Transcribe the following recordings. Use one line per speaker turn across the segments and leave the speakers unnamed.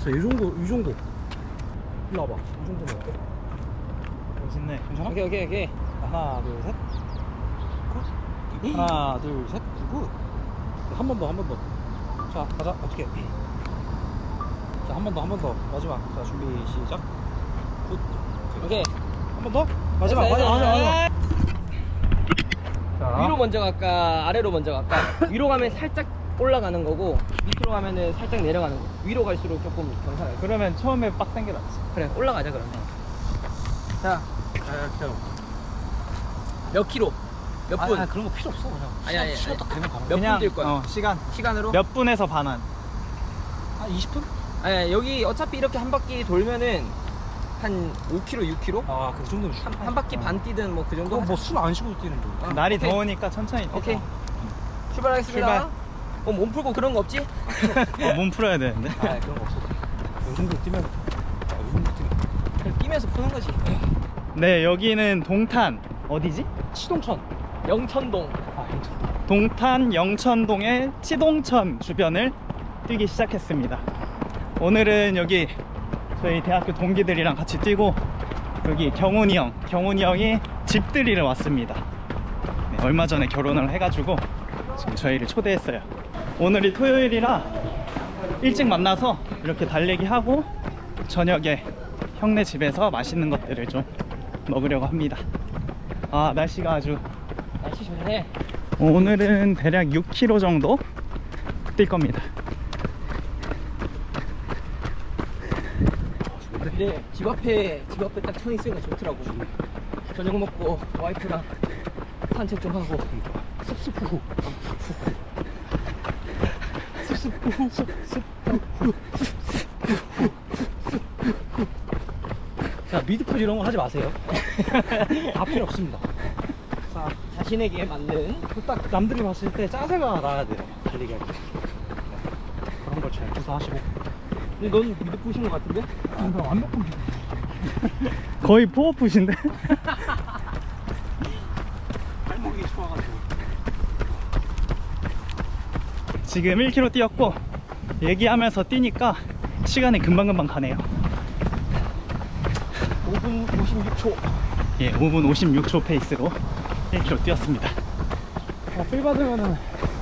됐어. 이 정도. 일로 와봐. 이 정도면 어때?
멋있네. 괜찮아?
오케이.
하나, 둘, 셋. 굿. 하나, 둘, 셋. 굿.
한 번 더. 자, 가자. 어떻게? 자, 한 번 더. 마지막. 자, 준비 시작. 굿.
오케이.
한 번 더. 마지막. 자,
위로 먼저 갈까 아래로 먼저 갈까? 위로 가면 살짝 올라가는 거고 밑으로 가면은 살짝 내려가는 거. 위로 갈수록 조금 경사가 있어.
그러면 처음에 빡센 게 낫지.
그래 올라가자 그러면. 자, 몇 킬로? 몇 분?
아, 그런 거 필요 없어. 그냥.
아니.
시간 딱 되면 가면.
몇 분 뛸 거야?
시간.
시간으로?
몇 분에서 반환.
한 20분?
아니 여기 어차피 이렇게 한 바퀴 돌면은 한 5km, 6km?
아, 그 정도면
한 바퀴 반 뛰든 뭐 그 정도.
뭐 술 안 쉬고 뛰는 거.
날이
오케이.
더우니까 천천히 뛰자.
오케이. 출발하겠습니다.
출발.
몸 풀고 그런 거 없지?
몸 풀어야 되는데.
아, 그런 거 없어. 요 정도 뛰면.
그냥 뛰면서 푸는 거지.
네, 여기는 동탄. 어디지?
치동천.
영천동.
아,
동탄 영천동의 치동천 주변을 뛰기 시작했습니다. 오늘은 여기 저희 대학교 동기들이랑 같이 뛰고 여기 경훈이 형이 집들이를 왔습니다. 네, 얼마 전에 결혼을 해가지고 지금 저희를 초대했어요. 오늘이 토요일이라 일찍 만나서 이렇게 달리기 하고 저녁에 형네 집에서 맛있는 것들을 좀 먹으려고 합니다. 아, 날씨가 아주
날씨 좋네.
오늘은 대략 6km 정도 뛸 겁니다.
근데 집 앞에 딱 천 있으니까 좋더라고. 저녁 먹고 와이프랑 산책 좀 하고 습습후.
자, 미드풀 이런 거 하지 마세요. 다 필요 없습니다.
자, 자신에게 맞는.
딱 남들이 봤을 때 짜세가 나야 돼요. 달리기 할 때. 그런 걸 잘 구사하시고.
근데 넌 미드 부신 것 같은데?
완벽한
거의 포어풋인데?
발목이 좋아가지고.
지금 1km 뛰었고 얘기하면서 뛰니까 시간이 금방금방 가네요.
5분 56초.
예, 5분 56초 페이스로 1km 뛰었습니다.
필 받으면은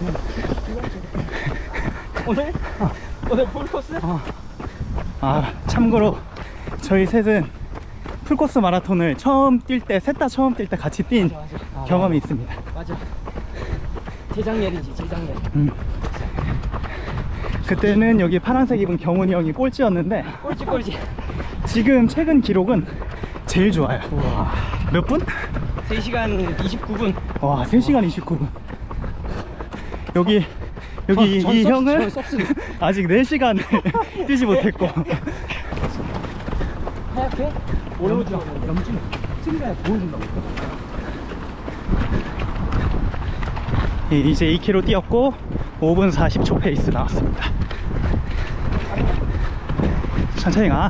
오늘? 오늘 풀코스?
아, 참고로 저희 셋은 풀코스 마라톤을 처음 뛸 때, 셋 다 처음 뛸 때 같이 뛴
맞아.
경험이 있습니다.
맞아. 재작년이지, 재작년.
그때는 여기 파란색 입은 경훈이 형이 꼴찌였는데
꼴찌.
지금 최근 기록은 제일 좋아요. 몇 분?
3시간 29분.
와, 3시간 29분. 여기 이 형은 아직 4시간을 뛰지 못했고.
하얗게?
염증 찜에 보여준다고.
이제 2km 뛰었고 5분 40초 페이스 나왔습니다. 천천히 가.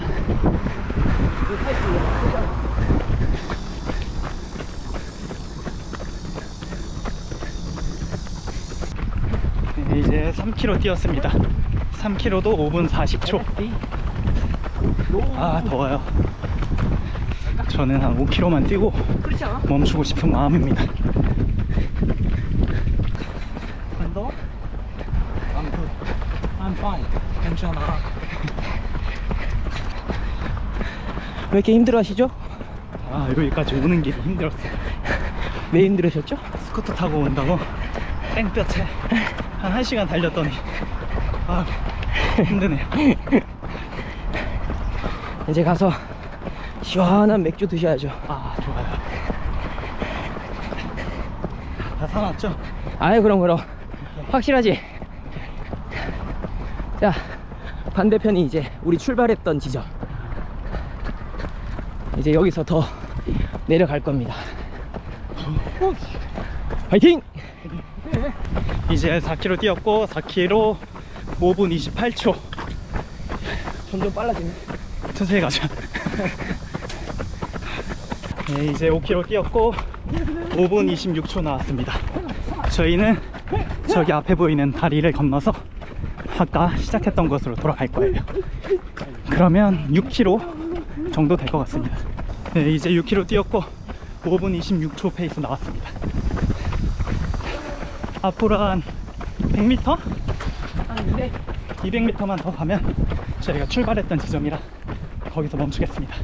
이제 3km 뛰었습니다. 3km도 5분 40초. 아, 더워요. 저는 한 5km만 뛰고
그렇지 않아?
멈추고 싶은 마음입니다.
더? I'm good. I'm fine. 괜찮아.
왜 이렇게 힘들어 하시죠?
아, 여기까지 오는 길이 힘들었어요.
왜 힘들으셨죠?
스쿠터 타고 온다고 땡볕에 한 1시간 달렸더니 아, 힘드네요.
이제 가서 시원한 맥주 드셔야죠.
아, 좋아요. 다 사놨죠?
아이 그럼 확실하지? 자, 반대편이 이제 우리 출발했던 지점. 이제 여기서 더 내려갈 겁니다. 화이팅!
이제 4km 뛰었고 4km 5분 28초.
점점 빨라지네.
천천히 가자. 네, 이제 5km 뛰었고 5분 26초 나왔습니다. 저희는 저기 앞에 보이는 다리를 건너서 아까 시작했던 곳으로 돌아갈 거예요. 그러면 6km 정도 될 것 같습니다. 네, 이제 6km 뛰었고 5분 26초 페이스 나왔습니다. 앞으로 한 100m?
아닌데
200m만 더 가면 저희가 출발했던 지점이라 거기서 멈추겠습니다.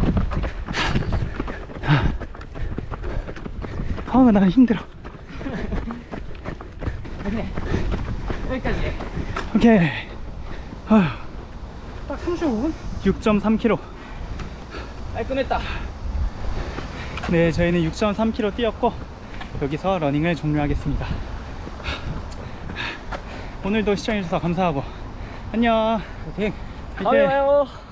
나 힘들어.
네 여기까지.
오케이. 딱 35분? 6.3km.
깔끔했다.
네, 저희는 6.3km 뛰었고 여기서 러닝을 종료하겠습니다. 오늘도 시청해주셔서 감사하고 안녕.
오케이.
다음에 봐요.